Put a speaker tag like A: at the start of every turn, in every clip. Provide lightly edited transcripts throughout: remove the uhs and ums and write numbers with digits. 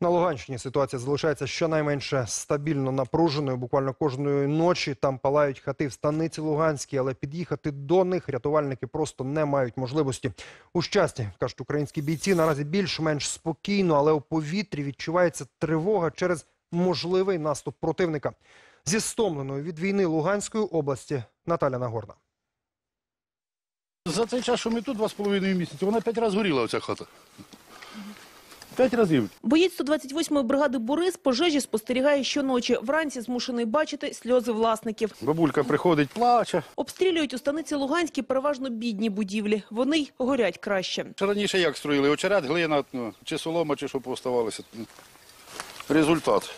A: На Луганщині ситуація залишається щонайменше стабільно напруженою. Буквально кожної ночі там палають хати в станиці Луганській, але під'їхати до них рятувальники просто не мають можливості. У Щасті, кажуть українські бійці, наразі більш-менш спокійно, але у повітрі відчувається тривога через можливий наступ противника. Зі стомленою від війни Луганської області Наталя Нагорна.
B: За цей час, що ми тут 2,5 місяці, вона 5 разів горіла, оця хата. 5 разів.
C: Боєць 128-ї бригади Борис пожежі спостерігає щоночі. Вранці змушений бачити сльози власників.
B: Бабулька приходить, плаче.
C: Обстрілюють у станиці Луганській переважно бідні будівлі. Вони й горять краще.
B: Раніше як строїли? Очерет, глина, чи солома, чи що поставалося. Результат.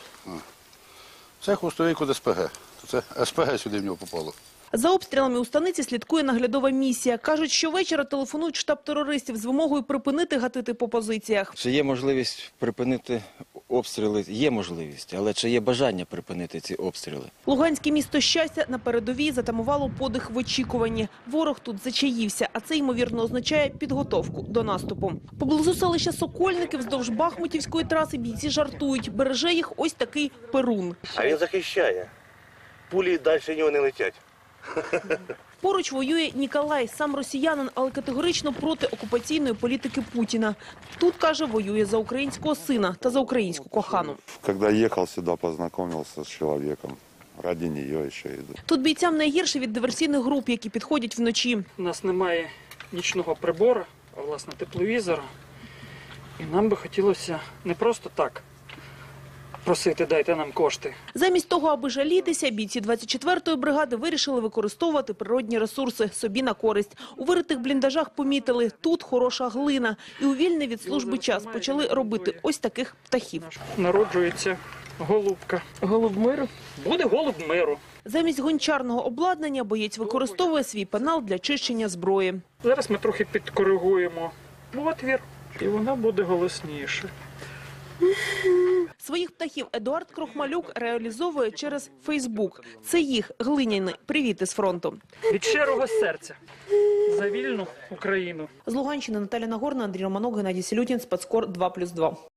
B: Це хвостовик від СПГ. Це СПГ сюди в нього попало.
C: За обстрілами у станиці слідкує наглядова місія. Кажуть, щовечора телефонують в штаб терористів з вимогою припинити гатити по позиціях.
D: Чи є можливість припинити обстріли? Є можливість, але чи є бажання припинити ці обстріли?
C: Луганське місто Щастя на передовій затамувало подих в очікуванні. Ворог тут зачаївся, а це, ймовірно, означає підготовку до наступу. Поблизу селища Сокольники вздовж Бахмутівської траси бійці жартують. Береже їх ось такий Перун.
E: А він захищає. Пулі далі нього не летять.
C: Поруч воює Ніколай, сам росіянин, але категорично проти окупаційної політики Путіна. Тут, каже, воює за українського сина та за українську кохану.
F: Когда ехал сюда, познакомился с человеком. Ради нее еще иду.
C: Тут бійцям найгірше від диверсійних груп, які підходять вночі.
G: У нас немає нічного прибору, а власне тепловізора. І нам би хотілося не просто так просити, дайте нам кошти.
C: Замість того, аби жалітися, бійці 24-ї бригади вирішили використовувати природні ресурси собі на користь. У виритих бліндажах помітили – тут хороша глина. І у вільний від служби час почали робити ось таких птахів.
G: Народжується голубка. Голуб миру? Буде голуб миру.
C: Замість гончарного обладнання боєць використовує свій пенал для чищення зброї.
G: Зараз ми трохи підкоригуємо отвір, і вона буде голосніше.
C: Своїх птахів Едуард Крохмалюк реалізовує через Фейсбук. Це їх глиняні привіти з фронту.
G: Від щирого серця за вільну Україну.
C: З Луганщини Наталя Нагорна, Андрій Романок, Геннадій Сілютін, Спецкор 2+2.